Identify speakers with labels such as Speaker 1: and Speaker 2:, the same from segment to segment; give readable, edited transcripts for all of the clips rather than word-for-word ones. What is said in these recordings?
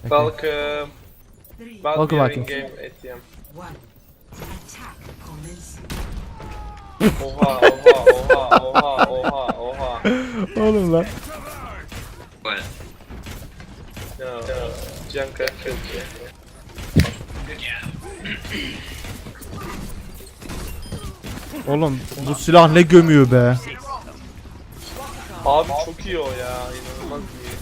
Speaker 1: Welcome.
Speaker 2: Welcome, welcome.
Speaker 1: Game ATM.
Speaker 3: One. Attack commence.
Speaker 1: Oha oha oha oha oha oha.
Speaker 2: Oğlum lan.
Speaker 4: What?
Speaker 1: No. Junker killed you.
Speaker 2: Oğlum bu silah ne gömüyor be.
Speaker 1: Abi çok iyi o ya. İnanılmaz iyi.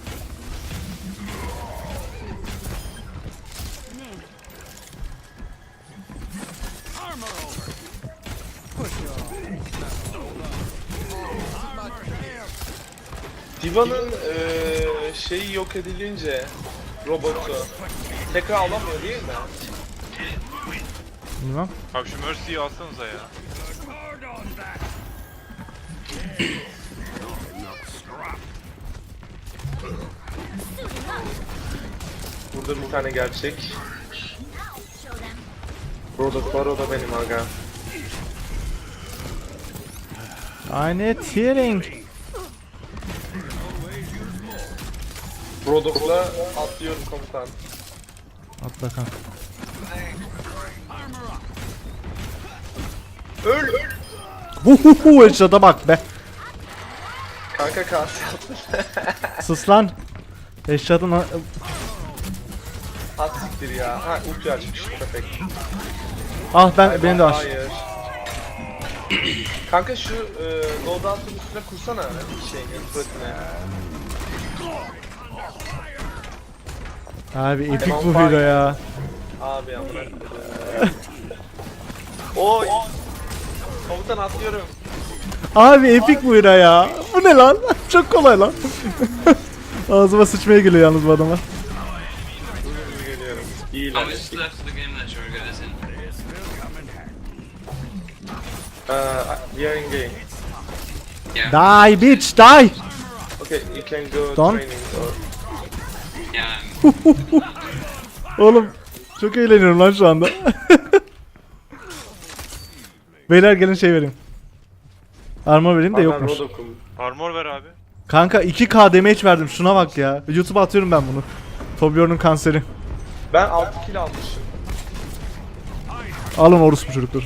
Speaker 1: Diva'nın şeyi yok edilince robotu tekrar alamıyor değil mi?
Speaker 2: Bilmem.
Speaker 5: Abi şu Mercy'yi alsanıza ya.
Speaker 1: Burada bir tane gerçek. Rodok var, o da benim aga.
Speaker 2: I need healing.
Speaker 1: Rodok'la atlıyorum komutan.
Speaker 2: At bakalım.
Speaker 1: Öl!
Speaker 2: Huhuhu headshot'a bak be.
Speaker 1: Kanka kas yaptın.
Speaker 2: Sus lan. Headshot'ın
Speaker 1: Az siktir ya. Ha ulti açmış. Perfect.
Speaker 2: ah benim de var.
Speaker 1: Hayır. Kanka şu loadout'un üstüne kursana şeyini, fırtına.
Speaker 2: Abi epik
Speaker 1: Tamam,
Speaker 2: bu
Speaker 1: bak.
Speaker 2: hero ya.
Speaker 1: Abi amına. Oy! Komutan atlıyorum.
Speaker 2: Abi epik bu hero ya. Bu ne lan? Çok kolay lan. Ağzıma sıçmaya geliyor yalnız bu adamlar.
Speaker 1: Geliyorum. İyi
Speaker 4: Oh,
Speaker 1: lan.
Speaker 4: we just left the game that you were good as in.
Speaker 1: We are in game.
Speaker 4: Yeah.
Speaker 2: Die bitch die.
Speaker 1: Okay, you can go
Speaker 2: Don't.
Speaker 1: training or...
Speaker 4: Yeah.
Speaker 2: Oğlum çok eğleniyorum lan şu anda. Beyler gelin şey vereyim. Armor vereyim de yokmuş.
Speaker 1: Rodok'um.
Speaker 5: Armor ver abi.
Speaker 2: Kanka 2k damage verdim şuna bak ya. YouTube'a atıyorum ben bunu. Torbjorn'un kanseri.
Speaker 1: Ben 6 kill almışım.
Speaker 2: Alın orospu çocuklar.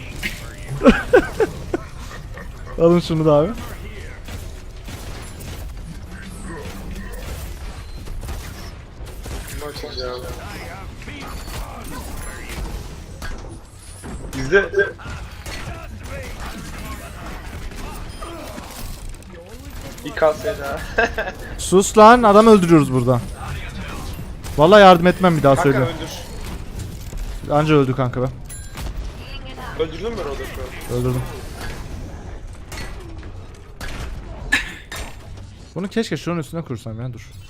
Speaker 2: Alın şunu da abi.
Speaker 1: Kim açacağım? Bizde... İKS daha.
Speaker 2: Sus lan adam öldürüyoruz burada. Vallahi yardım etmem bir daha
Speaker 1: Kanka
Speaker 2: söylüyorum.
Speaker 1: öldür.
Speaker 2: Anca öldü kanka be.
Speaker 1: Öldürdün mü Rodok'u?
Speaker 2: Öldürdüm. Bunu keşke şunun üstüne kursam ya dur.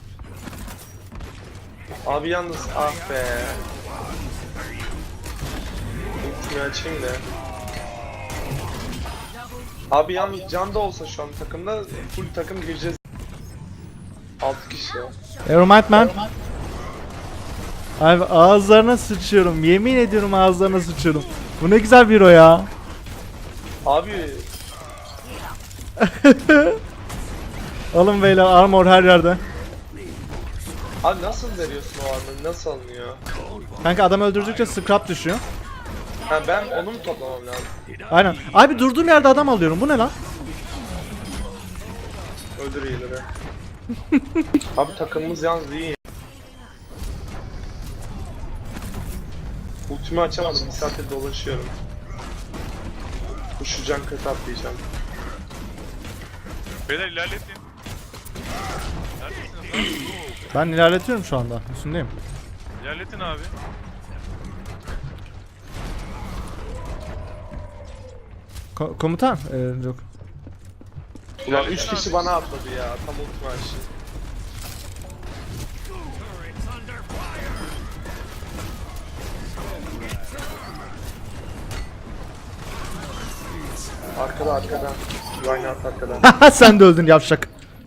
Speaker 1: Abi yalnız ah be. Ultimi açayım da. Abi yalnız Can da olsa şu an takımda full takım gireceğiz. 6 kişi.
Speaker 2: Nevermind man. Abi ağızlarına sıçıyorum. Yemin ediyorum ağızlarına sıçıyorum. Bu ne güzel bir o ya.
Speaker 1: Abi
Speaker 2: Alın beyler armor her yerde.
Speaker 1: abi nasıl veriyorsun o armor'ı? Nasıl alınıyor?
Speaker 2: Kanka adam öldürdükçe scrap düşüyor.
Speaker 1: Ha ben onu mu toplamam lazım?
Speaker 2: Aynen. Abi durduğum yerde adam alıyorum. Bu ne lan?
Speaker 1: Öldür iyileri. Abi takımımız yalnız iyi. Ultimi açamadım. Bir saattir dolaşıyorum. Koşacağım, kötü atlayacağım.
Speaker 5: Beyler ilerletin. Neredesiniz lan?
Speaker 2: Ben ilerletiyorum şu anda. Üstündeyim.
Speaker 5: İlerletin abi.
Speaker 2: Komutan. Yok.
Speaker 1: Ulan 3 kişi bana atladı ya. Tam ultimi açtı. Arkada arkadan. Reinhardt arkadan.
Speaker 2: Sen de öldün yavşak.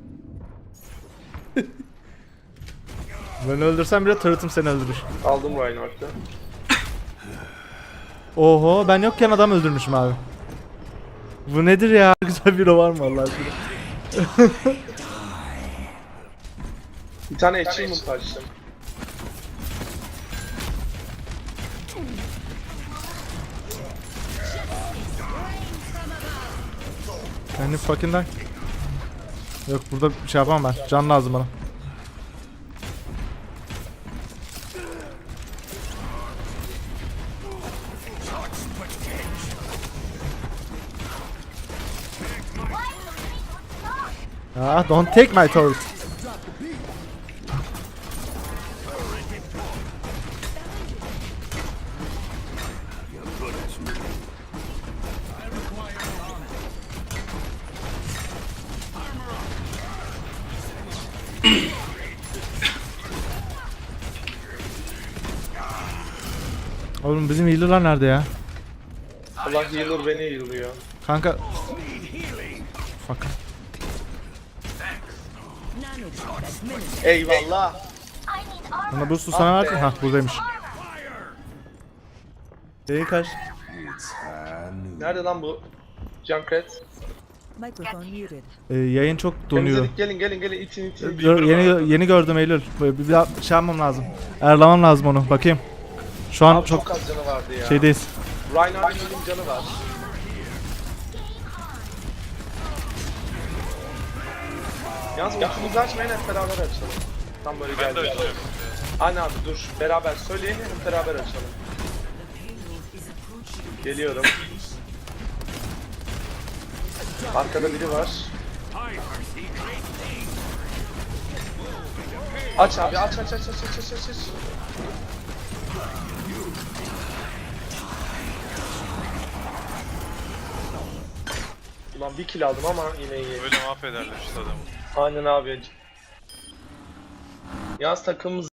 Speaker 2: Ben öldürsem bile turret'ım seni öldürür.
Speaker 1: Aldım Reinhardt'ı.
Speaker 2: Oho ben yokken adam öldürmüşüm abi. Bu nedir ya? Güzel bir o var mı Allah aşkına?
Speaker 1: Bir tane achievement açtım.
Speaker 2: Kendi fucking die. Yok burada bir şey yapamam ben. Can lazım bana. Ah, don't take my turret. Oğlum bizim healer'lar nerede ya?
Speaker 1: Allah healer beni heal'lıyor.
Speaker 2: Kanka. Fuck.
Speaker 1: Eyvallah.
Speaker 2: Bana boost'u sana verdim. Hah buradaymış. Değil kaç.
Speaker 1: Nerede lan bu? Junkrat.
Speaker 3: Microphone muted.
Speaker 2: Yayın çok donuyor.
Speaker 1: Temizledik, gelin itin.
Speaker 2: Yeni gördüm Eylül. Bir daha şey yapmam lazım. Ayarlamam lazım onu. Bakayım. Şu an
Speaker 1: Abi
Speaker 2: çok
Speaker 1: çok az canı vardı ya.
Speaker 2: şeydeyiz.
Speaker 1: Reinhardt'ın canı var. Yalnız ultimizi açmayın, hep beraber açalım. Tam böyle
Speaker 5: Ben de
Speaker 1: geldi.
Speaker 5: açıyorum.
Speaker 1: Aynen abi dur, beraber söyleyin, hep beraber açalım. Geliyorum. Arkada biri var. Aç abi, aç. Ulan bir kill aldım ama yine iyi.
Speaker 5: Böyle mahvederler işte adamı.
Speaker 1: Aynen abi. Yalnız takımımız